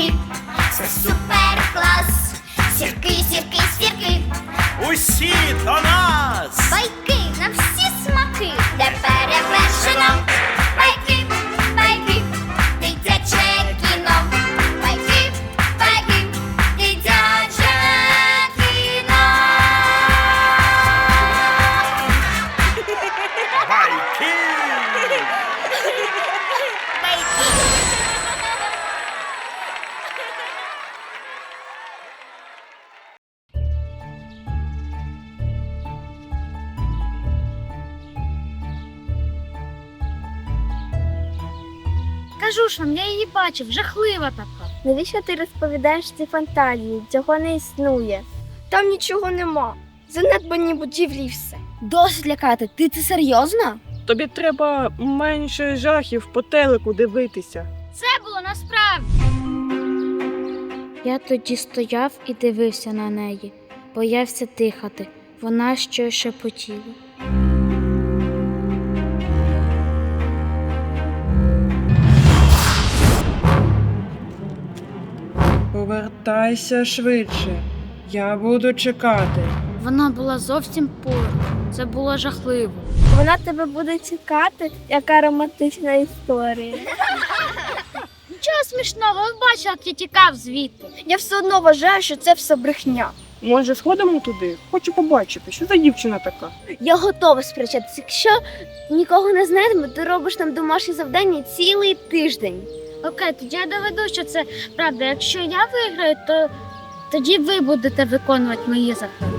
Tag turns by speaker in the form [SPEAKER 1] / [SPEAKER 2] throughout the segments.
[SPEAKER 1] сірки, це супер клас. Сірки, сірки, сірки,
[SPEAKER 2] Усі до нас!
[SPEAKER 1] байки на всі смаки, де перевершено. Байки, байки, дитяче кіно. Байки, байки, дитяче кіно.
[SPEAKER 2] Байки!
[SPEAKER 3] Кажу ж вам, я її бачив, жахлива така.
[SPEAKER 4] Навіщо ти розповідаєш ці фантазії? Цього не існує. Там нічого нема. Занедбані будівлі і все.
[SPEAKER 3] Досить лякати, ти це серйозно?
[SPEAKER 5] Тобі треба менше жахів по телеку дивитися.
[SPEAKER 3] Це було насправді. Я тоді стояв і дивився на неї. Боявся дихати. Вона щось шепотіла.
[SPEAKER 5] Повертайся швидше. Я буду чекати.
[SPEAKER 3] Вона була зовсім поруч. Це було жахливо.
[SPEAKER 4] Вона тебе буде чекати, яка романтична історія.
[SPEAKER 3] Нічого смішного, ви бачили, як я тікав звідти.
[SPEAKER 4] Я все одно вважаю, що це все брехня.
[SPEAKER 5] Може, сходимо туди? Хочу побачити, що за дівчина така.
[SPEAKER 4] Я готова сперечатися. Якщо нікого не знайдемо, ти робиш там домашні завдання цілий тиждень.
[SPEAKER 3] Окей, тоді я доведу, що це правда. Якщо я виграю, то тоді ви будете виконувати мої закони.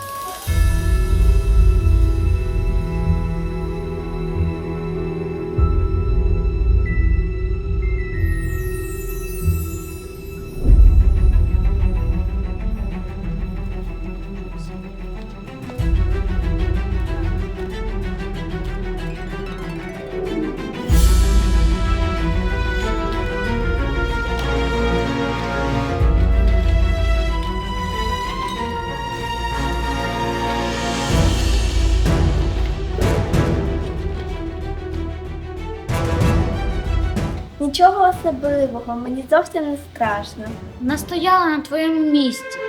[SPEAKER 4] Нічого особливого, мені зовсім не страшно.
[SPEAKER 3] Вона стояла на твоєму місці.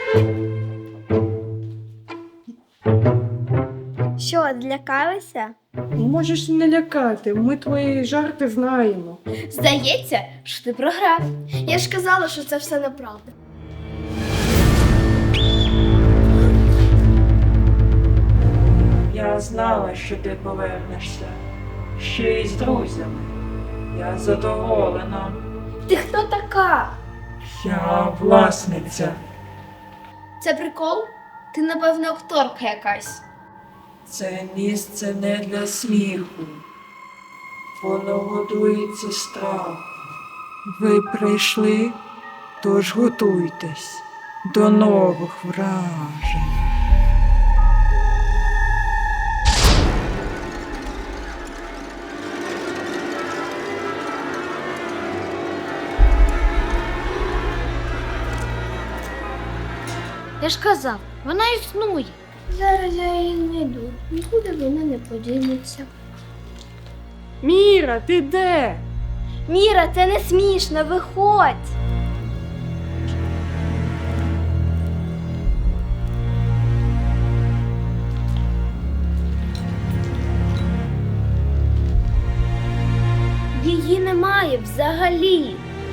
[SPEAKER 4] Що, злякалися?
[SPEAKER 5] Можеш не лякати, ми твої жарти знаємо.
[SPEAKER 4] Здається, що ти програв. Я ж казала, що це все неправда.
[SPEAKER 6] Я знала, що ти повернешся. Ще й з друзями. Я задоволена.
[SPEAKER 4] Ти хто така?
[SPEAKER 6] Я власниця.
[SPEAKER 4] Це прикол? Ти, напевно, акторка якась.
[SPEAKER 6] Це місце не для сміху. Воно годується страхом. Ви прийшли, тож готуйтесь до нових вражень.
[SPEAKER 3] Я ж казав, вона існує.
[SPEAKER 4] Зараз я її знайду. Нікуди вона не подінеться.
[SPEAKER 5] Міра, ти де?
[SPEAKER 4] Міра, це не смішно, виходь! Її немає взагалі.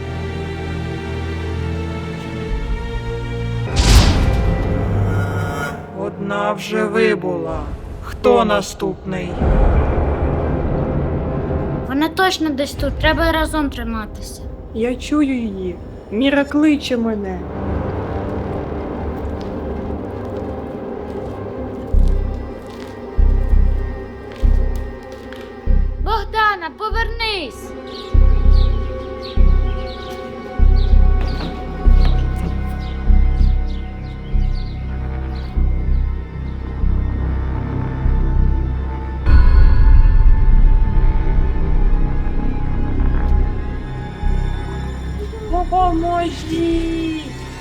[SPEAKER 6] Одна вже вибула. Хто наступний?
[SPEAKER 3] Вона точно десь тут, треба разом триматися.
[SPEAKER 5] Я чую її. Міра кличе мене.
[SPEAKER 3] Богдана, повернись!
[SPEAKER 5] Допоможіть!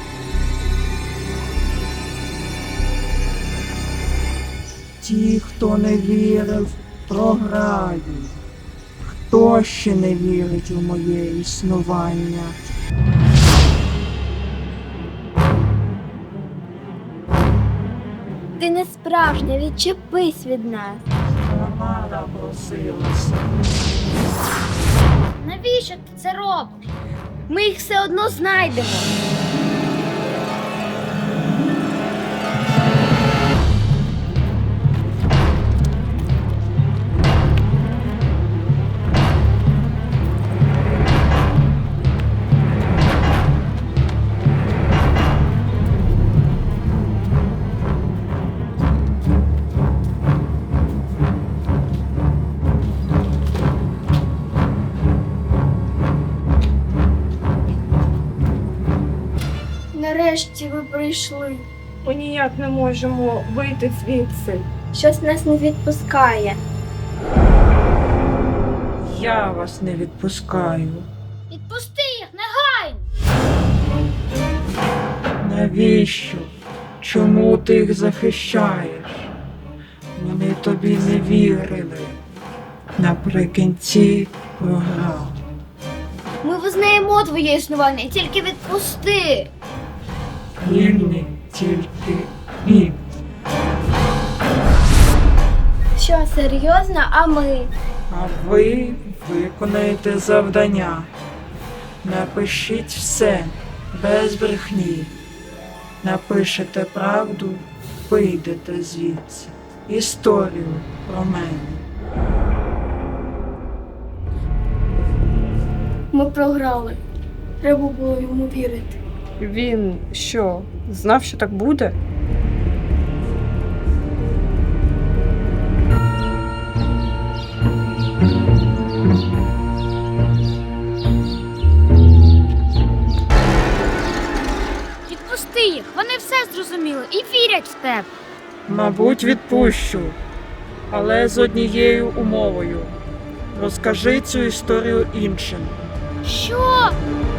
[SPEAKER 6] Ті, хто не вірив, програють. Хто ще не вірить у моє існування?
[SPEAKER 4] справжня, відчепись від нас.
[SPEAKER 6] Вона напросилася.
[SPEAKER 3] Навіщо ти це робиш?
[SPEAKER 4] Ми їх все одно знайдемо. Нарешті ви прийшли.
[SPEAKER 5] Ми ніяк не можемо вийти звідси.
[SPEAKER 4] Щось нас не відпускає.
[SPEAKER 6] Я вас не відпускаю.
[SPEAKER 3] Відпусти їх, негайно!
[SPEAKER 6] Навіщо? Чому ти їх захищаєш? Вони тобі не вірили. Наприкінці програв.
[SPEAKER 4] Ми визнаємо твоє існування, тільки відпусти.
[SPEAKER 6] Вільний тільки він.
[SPEAKER 4] Що, серйозно, а ми?
[SPEAKER 6] А ви виконаєте завдання. Напишіть все без брехні. Напишете правду, вийдете звідси. Історію про мене.
[SPEAKER 4] Ми програли. Треба було йому вірити.
[SPEAKER 5] Він що, знав, що так буде?
[SPEAKER 3] Відпусти їх, вони все зрозуміли і вірять в тебе.
[SPEAKER 6] Мабуть, відпущу, але з однією умовою. Розкажи цю історію іншим.
[SPEAKER 3] Що?